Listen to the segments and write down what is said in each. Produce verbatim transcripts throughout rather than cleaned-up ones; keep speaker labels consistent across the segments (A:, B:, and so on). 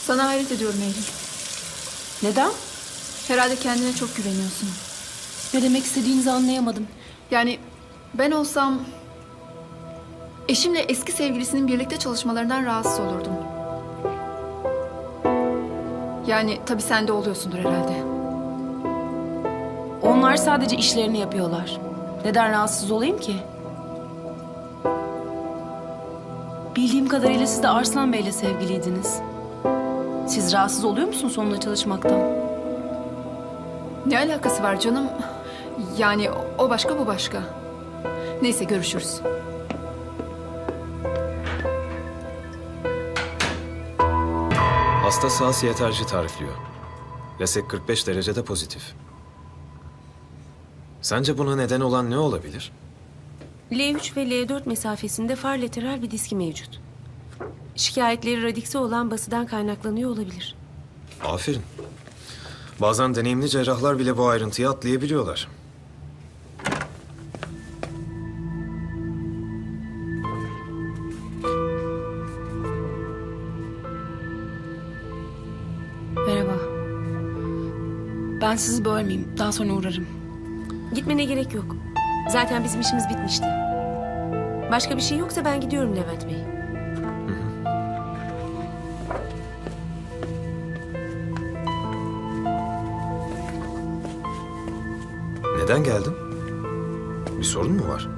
A: Sana hayret ediyorum Eylül.
B: Neden?
A: Herhalde kendine çok güveniyorsun.
B: Ne demek istediğinizi anlayamadım.
A: Yani ben olsam eşimle eski sevgilisinin birlikte çalışmalarından rahatsız olurdum. Yani tabii sen de oluyorsundur herhalde.
B: Onlar sadece işlerini yapıyorlar. Neden rahatsız olayım ki? Bildiğim kadarıyla siz de Arslan Bey'le sevgiliydiniz. Siz rahatsız oluyor musunuz onunla çalışmaktan?
A: Ne alakası var canım? Yani o başka bu başka. Neyse görüşürüz.
C: Hasta sağ siyeterci tarifliyor. Resek kırk beş derecede pozitif. Sence buna neden olan ne olabilir?
D: L üç ve L dört mesafesinde far lateral bir diski mevcut. Şikayetleri radikse olan basıdan kaynaklanıyor olabilir.
C: Aferin. Bazen deneyimli cerrahlar bile bu ayrıntıyı atlayabiliyorlar.
B: Merhaba. Ben sizi bölmeyeyim. Daha sonra uğrarım.
D: Gitmene gerek yok. Zaten bizim işimiz bitmişti. Başka bir şey yoksa ben gidiyorum Levent Bey.
C: Neden geldin? Bir sorun mu var?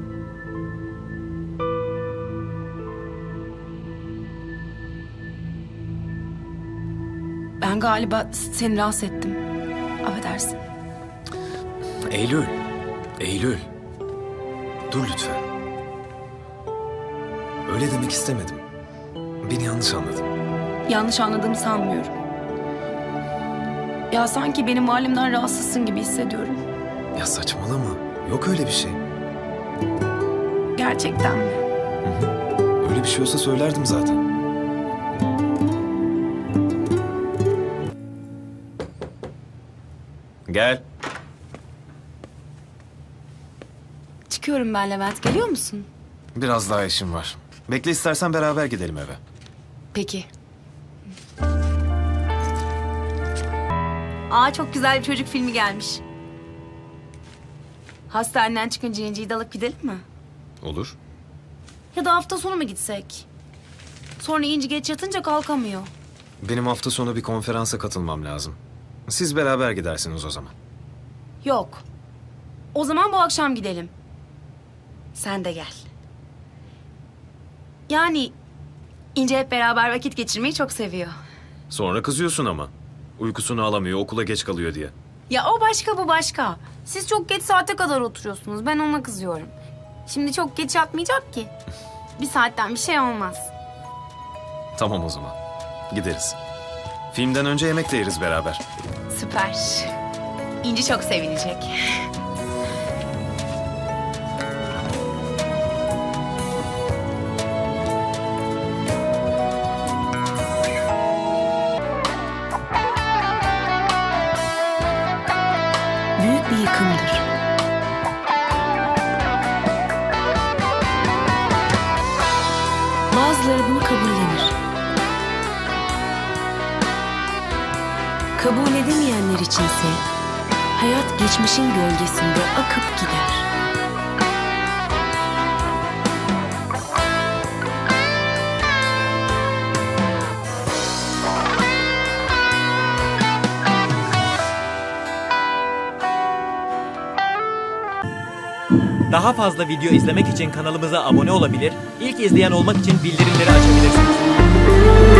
B: Ben galiba seni rahatsız ettim. Affedersin.
C: Eylül. Eylül. Dur lütfen. Öyle demek istemedim. Beni yanlış anladın.
B: Yanlış anladığımı sanmıyorum. Ya sanki benim halimden rahatsızsın gibi hissediyorum.
C: Ya saçmalama. Yok öyle bir şey.
B: Gerçekten mi?
C: Öyle bir şey olsa söylerdim zaten. Gel.
B: Çıkıyorum ben Levent. Geliyor musun?
C: Biraz daha işim var. Bekle istersen beraber gidelim eve.
B: Peki.
E: Aa, çok güzel bir çocuk filmi gelmiş. Hastaneden çıkınca İnci'yi de alıp gidelim mi?
C: Olur.
E: Ya da hafta sonu mu gitsek? Sonra İnci geç yatınca kalkamıyor.
C: Benim hafta sonu bir konferansa katılmam lazım. Siz beraber gidersiniz o zaman.
E: Yok. O zaman bu akşam gidelim. Sen de gel. Yani İnci hep beraber vakit geçirmeyi çok seviyor.
C: Sonra kızıyorsun ama. Uykusunu alamıyor, okula geç kalıyor diye.
E: Ya o başka, bu başka. Siz çok geç saate kadar oturuyorsunuz. Ben ona kızıyorum. Şimdi çok geç yatmayacak ki. Bir saatten bir şey olmaz.
C: Tamam o zaman. Gideriz. Filmden önce yemek de yeriz beraber.
E: Süper. İnci çok sevinecek.
D: Büyük bir yıkımdır. Bazıları bunu kabullenir. Kabul edemeyenler içinse hayat geçmişin gölgesinde akıp gider.
F: Daha fazla video izlemek için kanalımıza abone olabilir, ilk izleyen olmak için bildirimleri açabilirsiniz.